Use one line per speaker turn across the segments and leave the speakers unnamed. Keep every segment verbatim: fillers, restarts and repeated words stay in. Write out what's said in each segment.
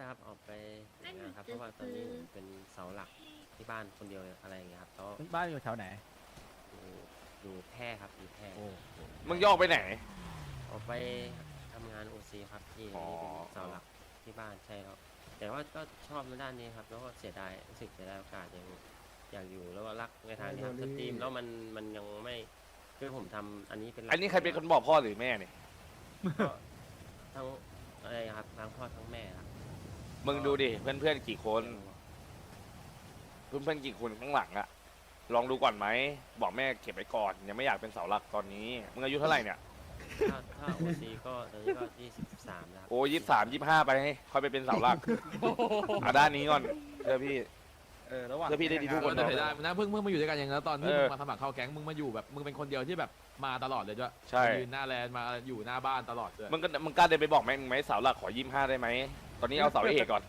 ครับออกไปทำงานครับเพราะว่าตอนนี้ผมเป็นเสาหลักที่บ้านคนเดียวอะไรอย่างเงี้ยครับแล้ว
บ้านอยู่แถวไหน
อยู่อยู่แพร่ครับอยู่แพร่
โอ้
มึงย่อไปไหน
ออกไปทำงานโอซีครับที่
อ๋อ
นี่เป็นเสาหลักที่บ้านใช่ครับแต่ว่าก็ชอบในด้านนี้ครับแล้วก็เสียดายรู้สึกเสียดายโอกาสยังอยากอยู่แล้วก็รักในทางนี้ครับสตรีมแล้วมันมันยังไม่คือผมทำอันนี้เป็นหลัก
อันนี้ใครเป็นคนบอกพ่อหรือแม่เนี่ย
ก็ทั้งอะไรครับทั้งพ่อทั้งแม่ครับ
มึงดูดิเพื่อนๆกี่คน เพื่อนๆกี่คนข้างหลังอะลองดูก่อนไหมบอกแม่เก็บไว้ก่อนยังไม่อยากเป็นเสาหลักตอนนี้มึงอายุเท่าไหร่เนี่ย
ถ้าถ้าโอซีก็ตอนนี้ก็ยี่สิบสามแล้วครับ
โอ้ยี่สามยี่ห้าไปให้ค่อยไปเป็นเสาหลักอ่ะด้านนี้ก่อนเพื่อพี่
เออระหว่าง
เพื่อพี่ได้ดีทุกคน
ได้ได้นะเพิ่งเพิ่งมาอยู่ด้วยกันอย่างนั้นตอนที่
เออ
มึงมาสมัครเข้าแก๊งมึงมาอยู่แบบมึงเป็นคนเดียวที่แบบมาตลอดเลยด้วย
ใช่
ยืนหน้าแลนด์มาอยู่หน้าบ้านตลอดเลย
มึงก็มึงกล้าเดินไปบอกแม่มึงไหมเสาหลักขอยี่ห้าได้ไหมตอนนี้เอาเสาเอกก่อน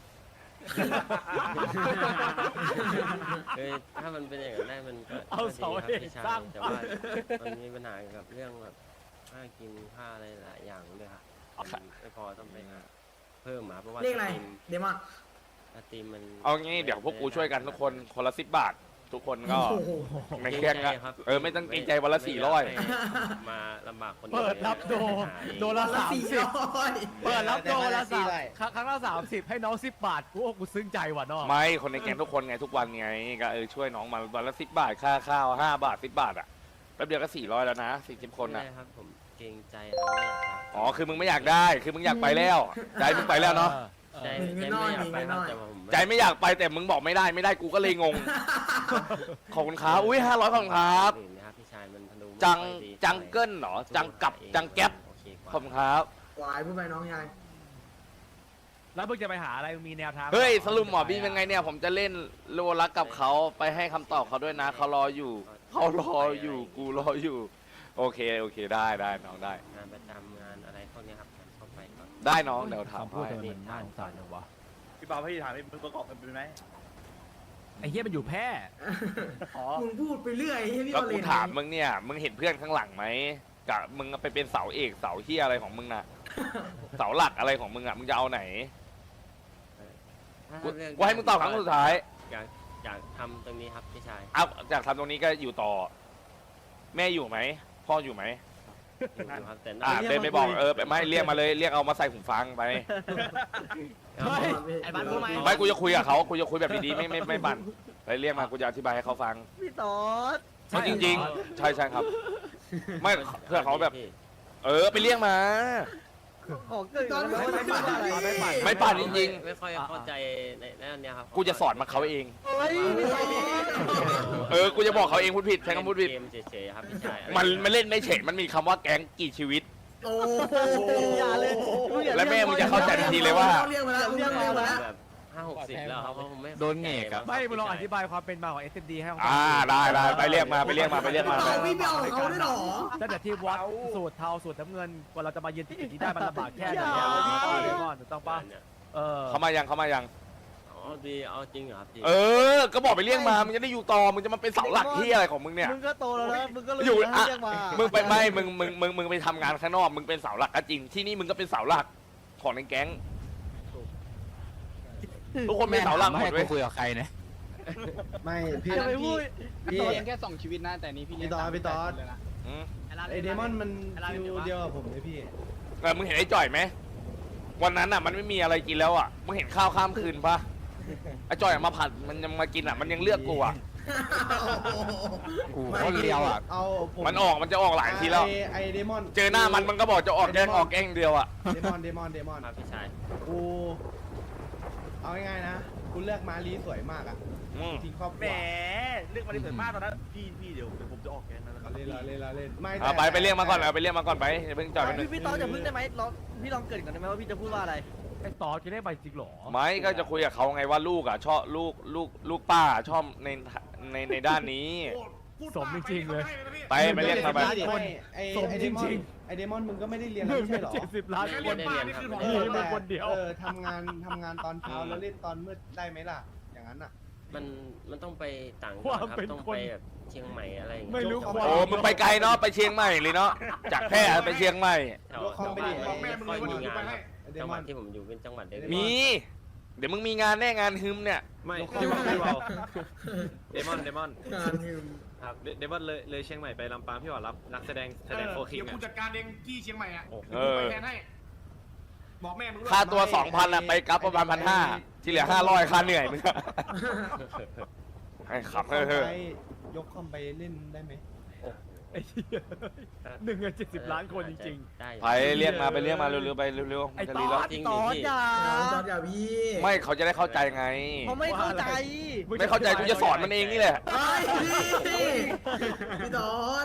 คือถ้ามันเป็นอย่างนั้นได้มันก็
เอาเสา
ก็
เอ
ดี
ก
ครับพี่ชาย
สร้าง
แต่
บ้า
ว่าน มันมีปัญหาเกี่ยวกับเรื่องแบบค่ากินค่าอะไรหลายอย่างด้วยครับมันไม่พอต้องไปหาเพิ่มมาเพราะว่า
เรียกอะไร
สตรีม
เดมอน
สตรีมมัน
เอางี้เดี๋ยวพวกกูช่วยกันทุกคนคนละสิบบาท ทุกคนก็
โอ้โห
ในแก๊งอะเออไม่ต้องเกรงใจวันละสี่ร้อย
ไม่มาลำบากคนดียว
เปิดรับโด
หาเอง
โดนละ
ละ
สาม
สี่
สิบ
ร้อย
เปิดรับโดนละสามครั้งครั้งละสามสิบให้น้องสิบบาทกูโอ้กูซึ้งใจว่ะน้อง
ไม่คนในแก๊งทุกคนไงทุกวันไงก็เออช่วยน้องมาวันละสิบบาทค่าข้าวห้าบาทสิบบาทอ่ะแป๊บเดียวก็สี่ร้อยแล้วนะสี่สิบคนอ่ะ
ไม่ได้ครับผมเกรงใจครับไม่อยากรับ
อ๋อคือมึงไม่อยากได้คือมึงอยากไปแล้วใจมึงไปแล้วเนาะ
ใจ
เออ
ใจไม่อยากไปครับแต่ว่าผม
ใจไม่อยากไปแต่มึงบอกไม่ได้ไม่ได้กูก็เลยงงขอบคุณครับอุ้ยห้าร้อยขอบคุณครับ
อื่นนะครับพี่ชายมันธนูไม่
จัง
ค่อยดี
จังเกิลเหรอจังกับจังแก๊ป
โอเคกว่า
ขอบคุณครับ
วายพูดไปน้องยาย
แล้วมึงจะไปหาอะไรมึงมีแนวทาง
เฮ้ยสรุปหมอบี้เป็นไงเนี่ยผมจะเล่นโลรักกับเขาไปให้คำตอบเขาด้วยนะเขารออยู่เขารออยู่กูรออยู่โอเคโอเคได้ได้น้องได้
งานประจำงานอะไรพวกนี้ครับเข้าไปก่อน
ได้น้องเดี๋ยวถาม
คำพูด
ให้
เธอมันน่าสงสารจังวะ
พี่เปาพี่ถามมึงประกอบกันเป็นไหม
ไอ้เหี้ยมันอยู่แพร่
อ๋อ
มึงพูดไปเรื่อยให้พี่
ก็
โอเล
กู
น
ถามมึงเนี่ยมึงเห็นเพื่อนข้างหลังไหมกะมึงไปเป็นเสาเอกเสาเฮียอะไรของมึงน่ะ เสาหลักอะไรของมึงอ่ะมึงจะเอาไหน
ถ้า
กู
เรื่อง
กูให้มึงตอบครั้งสุดท้าย
อยากอยากทำตรงนี้ครับพี่ชาย
เอาจากทำตรงนี้ก็อยู่ต่อ แม่อยู่ไหมพ่ออยู่ไหม
อยู่ครับแต่
อ่าเดินไปบอกเออไปไม่เรียกมาเลยเรียกเอามาใส่หูฟังไป
เฮ้ย
ไอ้บ้านพูดไหม
ไม่กูจะคุยกับเขากูจะคุยแบบดีๆไม่ไม่ไม่บั่นไปเรียกมากูจะอธิบายให้เขาฟัง
พี่ตอด
เพราะจริงๆ ใช่ใช่ครับ ไม่เพื่อเขาแบบ
พี่
เออไปเรียกมา
ออกเกินแล้วไม่ไม่ปั่นไม่ปั่น
ไม่ปั่นจริง
ไม่ค่อยเข้าใจในในอันเนี้ยครับ
ๆ กูจะสอนมาเขาเอง
เฮ้ยพี่ตอด
เออกูจะบอกเขาเองพูดผิดใช้คำพูดผิด
เกมเฉยๆครับพี่ชาย
มันไม่เล่นไม่เฉยมันมีคำว่าแก๊งกี่ชีวิต
โอ้
อย่าเลย
และแม่มึงจะเข้าใจทันทีเลยว่า
เรียกมาแล้วเรียกมาแล้ว
แบบห้าหกสิบแล้วครับเพราะผมไม่
โดนแงกอะ
ไม่มึงลองอธิบายความเป็นมาของ เอส เอ็ม ดี ให้เขาฟั
อ่าได้ได้ไปเรียกมาไปเรียกมาไปเรียกมา
เปาพี่ไปเอาของเขาด้วยเหรอ
ตั้งแต่ที่วัดสูตรเทาสูตรน้ำเงินกว่าเราจะมายืนที่จุดนี้ได้มันลำบากแค่ไหนเนี่ยพี่ต้อนเลมอนถูกต้องปะ
เนี่ย
เออ
เขามายังเขามายัง
อ๋อดีเอาจริงเหรอครับพี่
เออ ก็บอกไปเรียกมามึงจะได้อยู่ต่อมึงจะมาเป็นเสาหลักที่อะไรของมึงเนี่ย
มึงก็โตแล้วนะมึงก็รู้
อยู่
นะ
อ่ะ
เรียกมา
มึงไปไม่มึงมึงมึงมึงไปทำงานข้างนอกมึงเป็นเสาหลักก็จริงที่นี่มึงก็เป็นเสาหลักของในแก๊งทุกคนเป็นเสาหลักหมดเว้ย
คุยกับใครนะ
ไม่พี่
อย่าไปพูด
พี่
เลี้ยงแค่สองชีวิตนะแต่นี้พี่เลี้ยง
พี่ตอด
สาม
พี่ตอด
เลยนะ
อืม
ไอเดมอนมันคิวเดียวกับผมเลยพี่
เออมึงเห็นไอ้จ่อยไหมวันนั้นอ่ะมันไม่มีอะไรกินแล้วอ่ะมึงเห็นข้าวข้ามคืนปะไอ้จ่อยอะมาผัดมันยังมากินอ่ะมันยังเลือกกูอ่ะ
กู
คนเดียวอะ
เอาผม
มันออกมันจะออกหลายทีแล้ว
ไอไอเดมอน
เจอหน้ามันมันก็บอกจะออกแกล้งออกแกล้งเดียวอ่ะ
เดมอนเดมอนเดมอน
ครับพี่ชาย
กูเอาง่ายๆนะกูเลือกมาลีสวยมากอ่ะ
อืม
ทิ้งครอบค
แหม
รัว
เรื่องมาดิเสริมมากตอนนั้นพี่พี่เดี๋ยวเดี๋ยวผมจะออกแกงแล้วนะครับ
เล่นละเล่นละเล่นไม่
เอาไปไปเรียกมาก่อนเอาไปเรียกมาก่อนไปอย่าเพิ่งจ่อยไปหนึ่
พี่
ง
พี่ตอดอย่าพึ่งได้ไหมลองพี่ลองเกริดก่อนได้ไหมว่าพี่จะพูดว่าอะไร
ไอ้ตอจะได้ไปจริงเหรอ
ไม่ก็จะคุยกับเขาไงว่าลูกอ่ะชอบลูกลูกลูกป้าชอบในในในด้านนี้
สมจริงๆเลย
ไปไปเรียกมาไป
ไม่ไอ
สม
ไอ
จ
เด
ริ
มอน
ง
ไอเดมอนมึงก็ไม่ได้เรียน
ห
แล้ว
นึ่ง
ไม่
ใน
ใช่เหรอ
เจ็ดสิบล้านคน
ไม่ได้เรียนครับ
เออเป็นคนเดียว
เออทำงานทำงานตอนเช้าแล้วเล่นตอนมืดได้ไหมล่ะ อย่างนั้นอ่ะ
มันมันต้องไปต่างจังหวัดครับต้องไปแบบเชียงใหม่อะไรอย่างเงี้ย
ไม่รู้ความ
โอ้มึงไปไกลเนาะไปเชียงใหม่เลยเนาะจากแพร่ไปเชียงใหม่
แถวแถวบ้านมันไม่ค่อยมีงานครับจังหวัดที่ผมอยู่เป็นจังหวัดเล็กๆ
มีเดี๋ยวมึงมีงานแน่งานฮึมเนี่ย
ไม่
ยก
พี่
เข้า
ว่า
มา
พี่ว่าเดมอนเดมอน
งานหิม
ครับเดเดมอนเลยเลยเชียงใหม่ไปลำปางพี่ว่ารับนักแสดงแสดงโฟคิง
เดี๋ยวกู
อ่ะ
จัดการเองที่เชียงใหม่อ่ะ
เออ
ไปแทนให้ บอกแม่มึงด้วย
ค่าตัวสองพันอะไปกลับประมาณพันห้าที่เหลือห้าร้อยค่าเหนื่อยมึงอะให้ขับเฮ้
ย
ยเฮ้ย
ยกคอมไปเล่นได้ไหม
ไอ้เหี้ยหนึ่งในเจ็ดสิบล้านคนจริง
ได้
ไปเรียกมาไปเรียกมาเร็วๆไปเร็ว
ๆ
ๆ
ไอ้
จะ
ต
รี
อ
แล้ว
ดตอดอย่า
จอดอย่าพี่
ไม่เขาจะได้เข้าใจไง
เขาไม่เข้าใจ
ไม่เข้าใจกูจะสอนมันเองนี่แหละ
ไอ้พี่พี่ตอด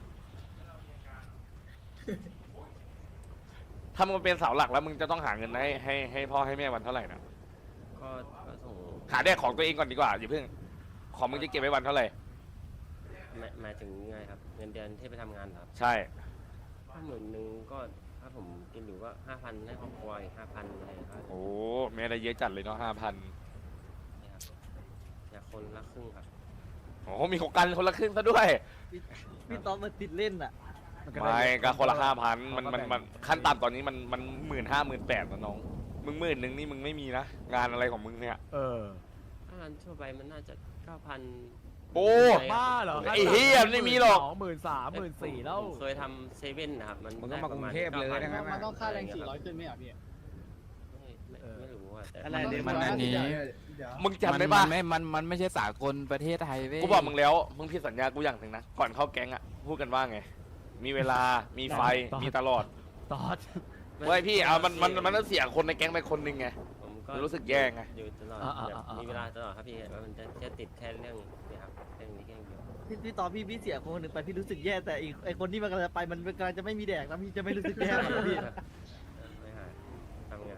ถ้ามึงเป็นเสาหลักแล้วมึงจะต้องหาเงินให้ให้ให้พ่อให้แม่วันเท่าไหร่นะ
ก็ก็ส่ง
หาได้ของตัวเองก่อนดีกว่าอย่าเพิ่งของมึงจะเก็บไว้วันเท่าไหร่
หมายหมายถึงไงครับเงินเดือนที่ไปทำงานเหรอครับ
ใช่
ถ้าหมื่นหนึ่งก็ถ้าผมกินอยู่ก็ห้าพันให้ครอบครัวอีกห้าพันอะไรครับ
โอ้แม่ได้เยอะจัดเลยเนาะห้าพัน
นี่ครับอยากคนละครึ่งครับ
โอ้มีของกันคนละครึ่งซะด้วย
พี่ต๊อดมันติดเล่นอ่ะ
ไม่ก็คนละห้าพันมันมันมันขั้นต่ำตอนนี้มันมันหมื่นห้าหมื่นแปดนะน้องมึงหมื่นหนึ่งนี่มึงไม่มีนะงานอะไรของมึงเนี่ย
เออ
ถ้างานทั่วไปมันน่าจะเก้าพัน
โอ้
บ้าเหรอ
ไอ้เหี้ยไม่มีหรอก
สองหมื่นสามหมื่นสี่แล้ว
ผมเคยทำเซเว่นนะครับมัน
มึงก็มากรุงเทพเลยนะงั้น
มันต้องค่าแรงสี่ร้อย
ขึ้นไหมอ่ะพี่
ไม่ไม่ไม่รู้ว่าแต่
อะไรเดี๋ยว
มันอันนี้
เดี๋ยว
มึงจำได้ปะ
มันไม่มันมันไม่ใช่สากลประเทศไทยเว้ย
กูบอกมึงแล้วมึงผิดสัญญากูอย่างหนึ่งนะก่อนเข้าแก๊งอ่ะพูดกันว่าไง มีเวลามีไฟมีตลอด
ตอด
เว้ยพี่เอามันมันมันต้องเสียคนในแก๊งไปคนหนึ่งไง
ผมก็
รู้สึกแย่ไง
อยู่ตลอดแบบมีเวลาตลอดครับพี่ว่ามันจะแค่ติดแค่เรื่องเนี้ครับเรื่องนี้แค่เดียว
พี่พี่ตอดพี่พี่เสียคนหนึ่งไปพี่รู้สึกแย่แต่อีกไอคนที่มันกำลังจะไปมันกำลังจะไม่มีแดกแล้วพี่จะไม่รู้สึกแย่หรอพี่
ไม่หายทำงาน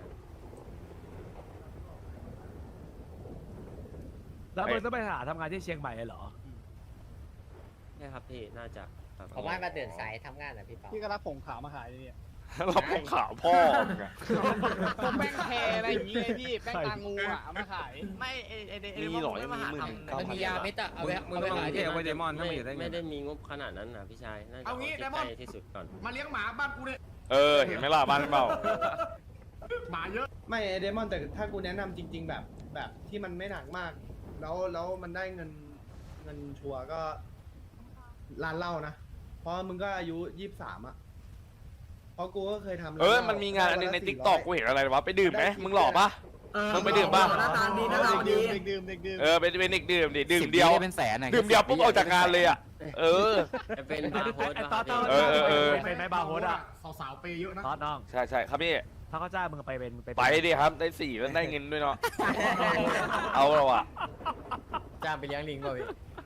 แล้วมึงต้องไปหาทำงานที่เชียงใหม่เหรอ
ใช่ครับพี่น่าจะครับ
ผมว่ามาเดินสายทำงานนะพี่เปา
พี่ก็รับผงขาวมาขายเนี่ย
เราพงข่าวพ่อมึงอะ
พวกแป้งแคร์อะไรอย่างเงี้ยพี่แป้งตางูอ่ะเอามาขาย
ไม่เอเอเอ
มีหรอยังมีหมื่นหนึ่งเก้า
มัน
พัน
มียาเม็ดอะเอาไปมึงไปขาย
เก็บไว้เดมอนถ้า
ไม่
มันอยู่ได้เงิ
ไม่
น
ได้มีงบขนาดนั้นนะพี่ชายน่าจะ
เอางี้
ที่
ไดมอน
ใกล้ที่สุดก่อน
มาเลี้ยงหมาบ้านกูเนี่ย
เออเห็นไหมล่ะบ้านเปล่า
หมาเยอะ
ไม่ไอเดมอนแต่ถ้ากูแนะนำจริง ๆ แบบแบบที่มันไม่หนักมาก แล้วแล้วมันได้เงินเงินชัวร์ก็ร้านเหล้านะ เพราะมึงก็อายุยี่สิบสามอ่ะเพราะกูก็เคยทำร้า
เออ
หล้
มันมีงานอันนึงใน
วัละ
ติ๊กต็อก
สี่ร้ย
กูเห็นอะไรวะไปดื่มไหมมึงหล่อปะ มึงไปดื่มป่ะ
หน้าตาดีหน้าตาดี
เด็กดื่มเด็กดื่ม
เออเป็นเป็นเด็กดื่มดิดื่ม
สิบ
เดียว
เป็นแสนอะ
ดื่มเดียวปุ๊บออกจากงานเลยอ่ะเออ
จะเป็นบาร์โฮส
ไอ้
ป่ะ
ต
ค
อ
รับ
ด
พี่
ตอด
เออเออเออ
เป็นไหมบาร์โฮสอ่ะ
สาวๆเปย์เยอะนะ
ตอดน้อง
ใช่ใช่ครับพี่
ถ้าเขาจ้างมึงไปเป็นไป
ไปดิครับได้สี่แล้วได้เงินด้วยเนาะเอาเราอะ
จ้างไปเลี้ยงลิงเปล่าพี่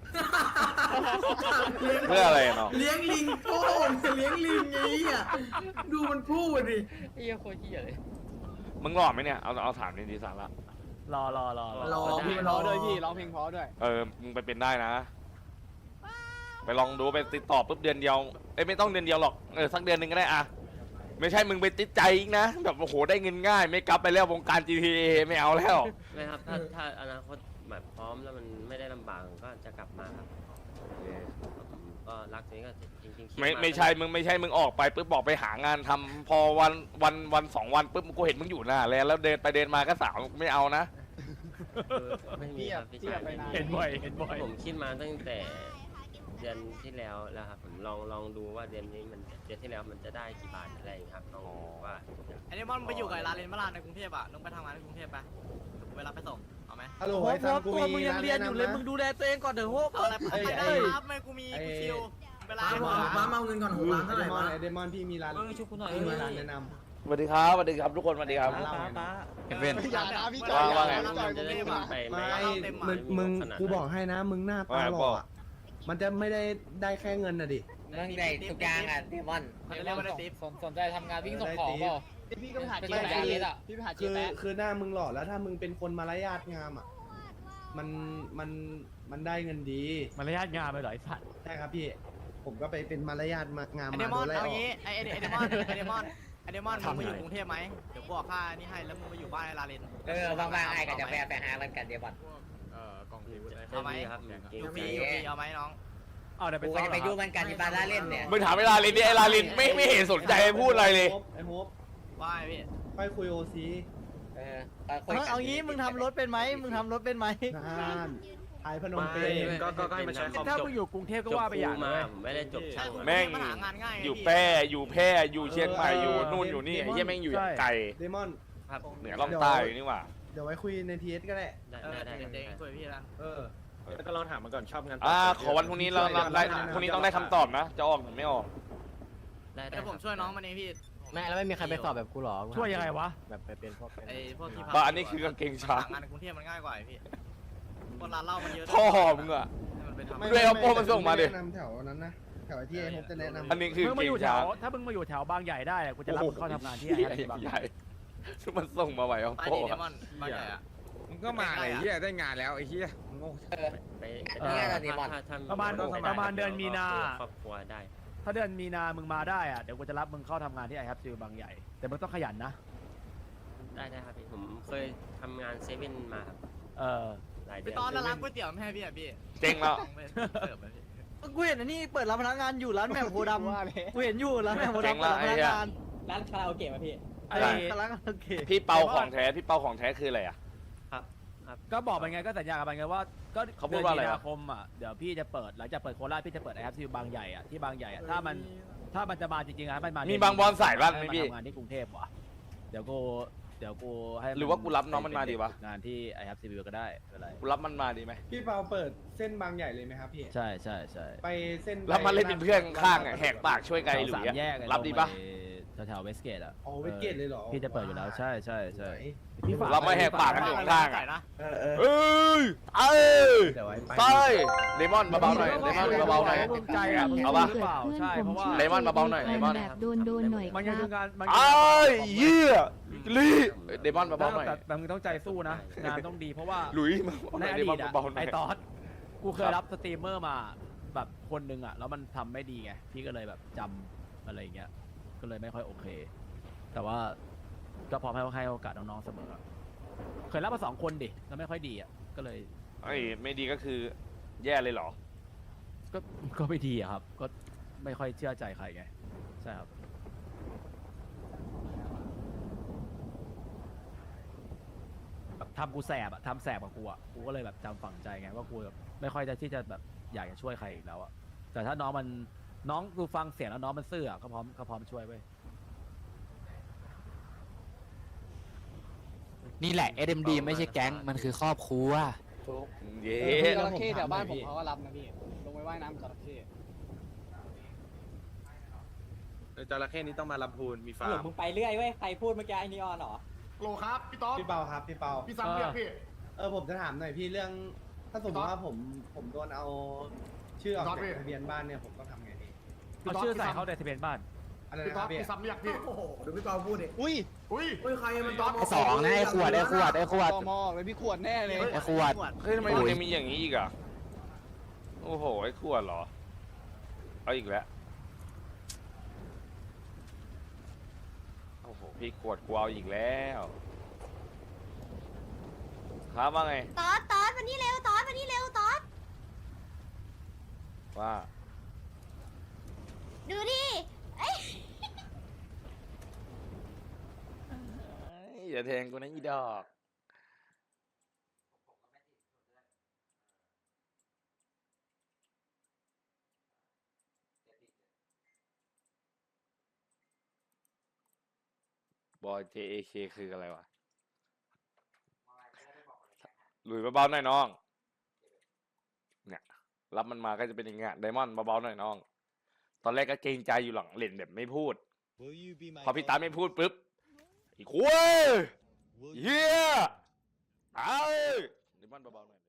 เพื่ออะไรเนาะ
เลี้ยงลิงโป้งเลี้ยงลิงไงอ่ะดูมันพูดดิ
ไอ้เหี้ยโคตรเหี้ยเลย
มึงหล่อไหมเนี่ยเอาเอาถามดีดีสาระ
รอรอรอ
รอ
เพล
พี่
ง
ร
เพ
อ
ราะด้วยพี่ร้องเพลงเพราะด้วย
เออมึงไปเป็นได้นะ ไปลองดูไปติดต่อปุ๊บเดือนเดียวเอ้ยไม่ต้องเดือนเดียวหรอกเออสักเดือนหนึ่งก็ได้อะไม่ใช่มึงไปติดใจอีกนะแบบโอ้โหได้เงินง่าย ไม่กลับไปแล้ววงการ จี ที เอ ไม่เอาแล้ว
ไม่ครับถ้าถ้าอนาคตแบบพร้อมแล้วมันไม่ได้ลำบากผมก็จะกลับมาครับผมก็รักตรงนี้ก็จริงๆคิด
ไม่
า
ไม่ใช่มึงไม่ใช่มึงออกไปปุ๊บบอกไปหางานทำพอวันวันวันสองวันปุ๊บกูเห็นมึงอยู่หน้าแล้วแล้วเดินไปเดินมาก็สาวไม่เอานะ
คือไม่มีครับพี่ชายไม่มี
เห็นบ่อยเห็นบ่อย
ผมคิดมาตั้งแต่เดือนที่แล้วแล้วครับผมลองลองดูว่าเดือนนี้มันเดือนที่แล้วมันจะได้กี่บาทอะไรอย่างเงี้ยครับลองดูว่า
ไอ้เดมอนไปอยู่กับร้านเลนมาลานในกรุงเทพอ่ะลงไปทำงานในกรุงเทพไปเวลาไปส่งเอาไหม
ฮัลโหล
โอ้
ไอ้ซัมกู
ตัวมึง
มี
ยัง
ร้าน
เรียน
แนะ
อยู่
นำ
เลย
นะ
มึงดูแลตัวเองก่อนเถอะโว้เอาอะไรไป
ไอ้
ไม่
ไอ้
ได้ครับไม่กูมีกูชิวเวลา
ป้าป้ามาเอาเงินก่อนหกล้าน
ไอ
เท่าไห
เด
ร่
มอน
วะ
ไอเดมอนพี่มีร้าน
เออชุบกูหน่อย
พี่มีร้านแนะน
สวัสดีครับสวัสดีครับทุกคนสวัสดีครับ
ำ
ป้าป้า
เอเว่น
อย่านะพี่จ
ว่า
อย
ว่าไง
พี่จอยกรุงเทพอ่ะ
ไป
ไม่
ไม่
มึงมึงกูบอกให้นะ มึงหน้าตาหล่ออะมันจะไม่ได้ได้แค่เงินน่ะดิ
เรื่องใหญ่ทุกอย่างอ่ะเดมอน
เขาจะเรียกว่าได้ติ๊บ
สนสนใจทำงานวิ่งส่งของเปล่า
พี่ก็ไปหา
เป็น
เจ๊
สัญ
แปะ
ญาเลยอ่ะ
พี่ไปหาเจ๊
คือ
แปะ
คือหน้ามึงหล่อแล้วถ้ามึงเป็นคนมารยาทงามอ่ะมันมันมันได้เงินดี
มารยาทงามไปเหรอไอ้สัตว์
ใช่ครับพี่ ผมก็ไปเป็นมารยาทมางาม
ไอ
มา
เดมอน
โดนไล่
เอา
ออก
งี้ไอไอเดมอนไอเดมอนไอเดมอนมึงมาอยู่กรุงเทพไหมเดี๋ยวบอกค่านี่ให้แล้วมึงไปอยู่บ้านไอลาเลน
เออว่างๆไอ้กับจะไปไปหากันกันเดมอน
เอ่อกองทีวุฒิ
เอาไหม
ครับจริง
อยู่
ๆ
ฟรีอยู่ฟรีเอาไหมน้องเอาเดี๋ยวไป
กู
ซ้อม
จะไปยุ่งมันกันที่บ้านล่าเล่นเนี่ย
มึงถามเวลาลินดิไอลาลินไม่ไม่เห็นสนใจพูดอะไรเลย
ไอ้โฮป
ว่าไงพี่
ค่อยคุยโอซี
เออคุยกัน
เอางี้มึงทำรถเป็นไหมมึงทำรถเป็นไหม
น่านไทยพนมเป
ไม่
ญ
ก็ก็ก็ให้มันใช้คอม
ถ้า
จบ
มึงอยู่กรุงเทพก็
จบ
ว่าไป
ค
อ
รู
ย่าง
มา
เลย
ผมไม่ได้จบช่างมา
แม่ง
มันหางานง่าย
อยู่แพร่อยู่แพร่อยู่เชียงใหม่อยู่นู่นอยู่นี่ไอ้เหี้ยแม่งอยู่อย่างไกล
เดมอน
ครับ
เหนือล่องใต้อยู่นี่หว่า
เดี๋ยวไว้คุยในทีเอสก็ได้
ได้
เออ
ได้ได้
เดี๋ยว
ได้
คุยพี่ละ
เออ
แล้วก็ลองถามมันก่อนชอบงาน
อ่าขอวันพรุ่งนี้เราเราได้พรุ่งนี้ต้องได้คำตอบนะ จะออกหรือไม่ออก
ได้ได้
เดี๋ยวผมช่วยน้องมันเองพี่
แม่แล้วไม่มีใครไปสอบแบบกูหรอ
ช่วยยังไงวะ
แบบไปเป็นพวก
ไอ้พวกที่
บ้าอันนี้คือกางเกงช้าง
หางานในกรุงเทพมันง่ายกว่าไอ้พี่คนร้านเหล้ามันเยอะ
พ่อมึงอะ
ให้มันไปทำ
ไม่
ด้วยเอาโป้มาส่งมาดิ
ไแนะนำแถวนั้นนะแถวที่ไอ้ผมจะแนะนำ
อันนี้คือ
มึง
เก
มาอง ยู่แถ
ช้าง
วถ้ามึงมาอยู่แถวบางใหญ่ได้อะกูจะรับมึงเข้าทำงานที่
ให
ไอ้
ญ่
บาง
ใหญ่ที่มันส่งมาไหวเอา
ไป
โป้
ดิเดมอนบางใหญ่อะ
มึงก็มาเลยเฮียได้งานแล้วไอ้เฮียโง่
ไป
เนี่ยนะเดมอน
ถ้าถ้
ประมาณ
ถ้
ประมาณเดือนมีนา
ครอบครัวได้
ถ้าเดือนมีนามึงมาได้อะเดี๋ยวกูจะรับมึงเข้าทำงานที่ไอฮับซิลบางใหญ่แต่มึงต้องขยันนะ
ได้ได้ครับพี่ผมเคยทำงานเซเว่นมาครับ
เออ
หลายเดื
พี่
อน
ตอนร้านก๋วยเตี๋ยวไม่ให้พี่อ่ะพี่
เจ๊งแล้ว
เสิร์ฟไปพี่กูเห็นอันนี้เปิดร้านพนักงานอยู่ร้านแหม่มโพธิ์ดำกูเห็นอยู่ร้านแหม่มโพธิ์
เจ๋ง
ดำ
ละ
เปิดร้านพ
ไอ้
นัก
เหี้ย
งานร้านคาราโอเกะป่ะพี่
ไอ้
ร้านคาราโอเกะ
พี่เปาของแท้พี่เปาของแท้คืออะไรอ่ะ
ก็บอกไปไงก็สัญญากันไปไงว่าก็
เขาพูดว่าอะไร
เดืน
วะ
มีนาคมอ่ะเดี๋ยวพี่จะเปิดหลังจากเปิดโคราชพี่จะเปิดไอฮับซิลบางใหญ่อ่ะที่บางใหญ่อ่ะถ้ามันถ้ามันจะมาจริงๆอะมันมา
มี
มี
บางบอลสายบ้านไหมพี่
ทำงานที่กรุงเทพวะเดี๋ยวกูเดี๋ยวกูให้
หรือว่ากูรับน้องมันมาดีวะ
งานที่ไอฮับซิลก็ได้ไม่เป็นไร
กูรับมันมาดีไหม
พี่เปาเปิดเส้นบางใหญ่เลยไหมครับพี่
ใช่ใช่ใช่
ไปเส้น
รับมาเล่นเป็นเพื่อนข้างๆอะแหกปากช่วยไกลหรือ
สาม
อะ
แยกไอ้
รับดีปะ
ลงไปแถวๆเวสเกตอ่ะ
อ๋อเวสเกตเลยเหรอ
พี่จะเปิดอยู่แล้วใช่ใช่ใช่
ไหน
พี่ฝาก
รับมาแหกปากกันอยู่ข้างๆอะ
นะ
เออเออ
เอ้ยเอ้ย
เดี๋ยวไว้ไป
ใช่เลมอนเบาๆหน่อยเลมอนเบาๆหน่อย
ภูมิใจอ่ะ
เอาปะ
หรือเปล่าใช่เพราะว่า
เลมอนเบาๆหน่อยเลมอน
แบบโดนโดนๆหน่อย
มัน
ค
ยัง
รั
คื
บ
องานมัน
ไอ้เหี้ยลีเลมอนเบาๆหน่อย
แต่แต่มึงต้องใจสู้นะงานต้องดีเพราะว่า
หลุยมาบอกห
ใน
น่อย
อ
เล
ดี
มอน
ตอะ
เบาๆหน่
ไอ
อย
ตอสกูเคยรับสตรีมเมอร์มาแบบคนหนึ่งอะแล้วมันทำไม่ดีไงพี่ก็เลยแบบจำอะไรอย่างเงี้ยก็เลยไม่ค่อยโอเค แต่ว่าก็พร้อมให้ให้โอกาสน้องๆเสมอเคยรับมาสองคนดิแล้วไม่ค่อยดีอะก็เลย
ไอ้ไม่ดีก็คือแย่เลยเหรอ
ก็ก็ไม่ดีอะครับ ก็ไม่ค่อยเชื่อใจใครไงใช่ครับแบบทำกูแสบอะทำแสบกับกูอะกูก็เลยแบบจำฝังใจไงว่ากูแบบไม่ค่อยจะที่จะแบบอยากจะช่วยใครอีกแล้วอะแต่ถ้าน้องมันน้องกูฟังเสียงแล้วน้องมันซื่ออะก็พร้อมก็พร้อมช่วยเว้ย
นี่แหละ เอ เอ็ม ดี ไม่ใช่แก๊งมันคือครอบครัว
เย้
จระเข้แถวบ้านผมเขาก็รับนะพี่ลงไปว่ายน้ำจระเข้
จระเข้นี้ต้องมาลำพูนมีฟาร์ม
มึงไปเรื่อยเว้ยใครพูดเมื่อกี้ไอ้นีออนเหรอ
โลครับพี่ต๊อบ
พี่เปาครับพี่เปา
พี่ซ้ำเรียกพี่
เออผมจะถามหน่อยพี่เรื่อง ถ้าสมมติว่าผมผมโดนเอาชื่อออก
พี่ต๊อบ
จาก
พี่
ทะเบียนบ้านเนี่ยผมต้องทำไงดี
เอาชื่อใส่เขาในทะเบียนบ้าน
อะไร
พี่
นะค
ต๊อ
รั
บบ
พี่
พี่ซ้ำเรียกพี่
โอ้โหดูพี่เปาพูดดิ
อุ้ย
อุ้ย
เฮ้ยใครมันตอบ
ไอ้สองนะไอ้ขวดไอ้ขวดไอ้ขวด
ตมเลยพี่ขวดแน่เลย
ไอ้ขวด
เฮ้ยทำไมมันยังมีอย่างนี้อีกอ่ะโอ้โหไอ้ขวดเหรอเอาอีกแล้วโอ้โหพี่ขวดกูเอาอีกแล้วครับว่าไง
ตอดตอดมานี่เร็วตอดมานี่เร็วตอด
ว่า
ดูดิเอ้ย
อย่าแทงกูนะอีดอกบอย เจ เอ เค คืออะไรวะหลุยเบาๆหน่อยน้องเนี่ยรับมันมาก็จะเป็นอย่างเงี้ยไดมอนด์เบาๆหน่อยน้อง ตอนแรกก็เกรงใจอยู่หลังเล่นแบบไม่พูด พอพี่ตาไม่พูดปุ๊บอีกคุยเฮียเอาไดมอนด์เบาๆหน่อย